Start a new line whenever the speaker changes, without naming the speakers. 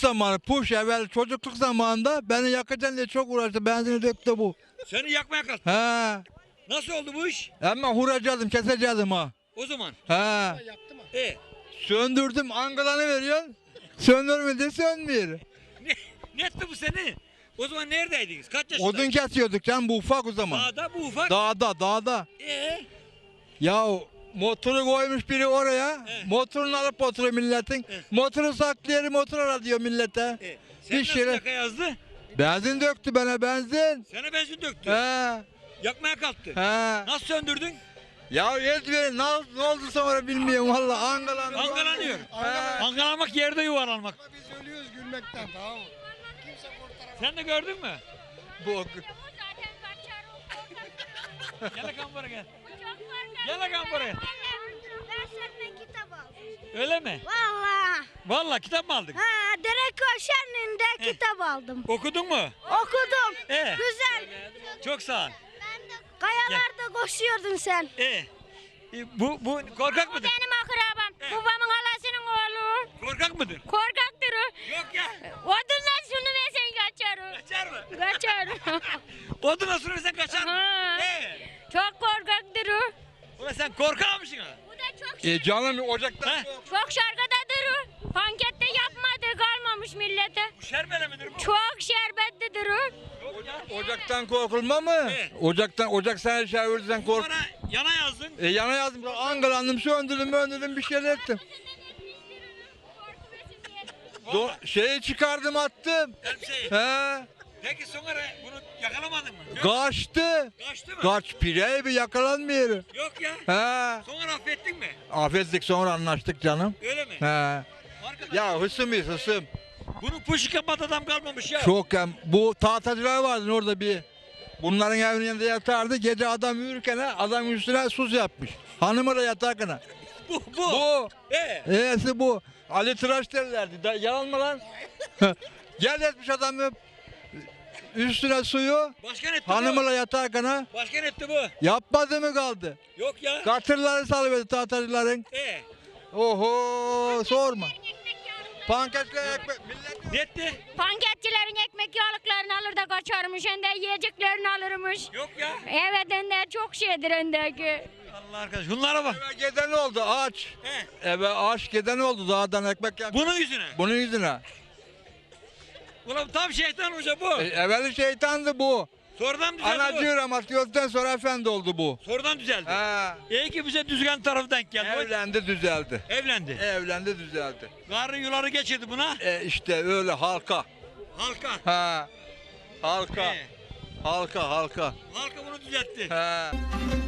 zamanı, puş evvel çocukluk zamanında beni yakacaksın diye çok uğraştı. Benzini döktü bu.
Seni yakmaya kalktı.
He.
Nasıl oldu bu iş?
Ama huracaktım, kesecektim ha.
O zaman.
He.
E,
Söndürdüm, angalanı veriyorsun. Söndürmedi, sönmüyor.
ne etti bu seni? O zaman neredeydiniz? Kaç yaşındaydın?
Odun kesiyorduk can, bu ufak o zaman.
Dağda, bu ufak.
Dağda. Ya motoru koymuş biri oraya. Motorunu alıp oturuyor milletin. Motoru saklayarak motor ara diyor millete.
Sen
Bir
nasıl
şeyler-
yaka yazdı?
Benzin döktü bana, benzin.
Sana benzin döktü.
He.
Yakmaya kalktı.
He.
Nasıl söndürdün?
Ya Ezberi ne oldu sonra bilmiyorum valla, angalandı.
Angalanıyor. Angalanmak yerde yuvarlanmak.
Biz ölüyoruz gülmekten, tamam mı? Kimse kurtaramaz.
Sen de gördün mü?
Bu
Gel bakalım buraya gel. Gel bakalım buraya.
Ben senden kitap aldım.
Öyle mi?
Valla.
Vallahi kitap mı aldın?
Ha, Derek Şenli'nde kitap aldım.
Okudun mu?
Okudum.
Ee?
Güzel.
Çok sağ ol.
Kayalarda koşuyordun sen.
Bu korkak mıdır?
Benim akrabam. Babamın halasının oğlu.
Korkak mıdır?
Korkaktır o.
Yok ya.
Odundan şunu versen kaçar o.
Kaçar mı?
Kaçar.
Oduna sürersen kaçar mı?
Ha. Çok korkaktır o.
Ulan sen korkak mısın ha?
Bu da çok
canım ocaktan.
He?
çok şarkıdadır o. Pankette yapmadı kalmamış millete.
Bu şerbele midir bu?
Çok şerbetlidir o.
Yok ya.
Ocaktan korkulma mı?
Evet.
Ocak sana şey verirsen kork.
Bana yana yazdın.
Yana yazdım, angalandım, söndürdüm, bir şeyler ettim. Şeyi çıkardım, attım.
Elbiseyi.
He.
Peki sonra bunu yakalamadın mı? Yok.
Kaçtı.
Kaçtı mı?
Kaç pirey bir yakalanmıyor.
Yok ya.
He.
Sonra affettin mi?
Affettik, sonra anlaştık canım.
Öyle mi?
He.
Arkadaş,
Ya hısım.
bunun puşu kapat adam kalmamış ya.
Çok bu tahtacılar vardı orada bir. Bunların evinin yanında yatardı. Gece adam yürürken adam üstüne sus yapmış. Hanımı da yatarken.
Bu.
Bu.
Ee?
Bu. Ali Tıraş derlerdi. Yalan mı lan? Gel etmiş adamı üstüne suyu.
Başkan etti
Hanımıyla yatarken
bu. Başkan etti bu.
yapmadı mı kaldı?
Yok ya.
Katırları salıverdi tahtacıların. Oho sorma. Pankekle ekmek millet.
Ne etti?
Panketçilerin ekmek yağlıklarını alır da kaçarmış. Hem de yiyeceklerini alırmış.
Yok ya.
Evet hem de çok şeydir öndeki.
Allah arkadaş bunlara bak.
Eve geden oldu aç. Eve aç geden oldu dağdan ekmek yap.
Bunun yüzüne.
Bunun yüzüne.
Ulan tam şeytan hoca bu.
Evveli şeytandı bu.
Sonradan düzeldi bu.
Anacı rahmat gördükten sonra efendi oldu bu.
Sonradan düzeldi.
He.
İyi ki bize düzgün tarafı denk geldi.
Evlendi düzeldi.
Evlendi.
Evlendi düzeldi.
Garı yuları geçirdi buna.
İşte öyle halka.
Halka.
Ha. Halka.
He.
Halka.
Halka bunu düzeltti.
He.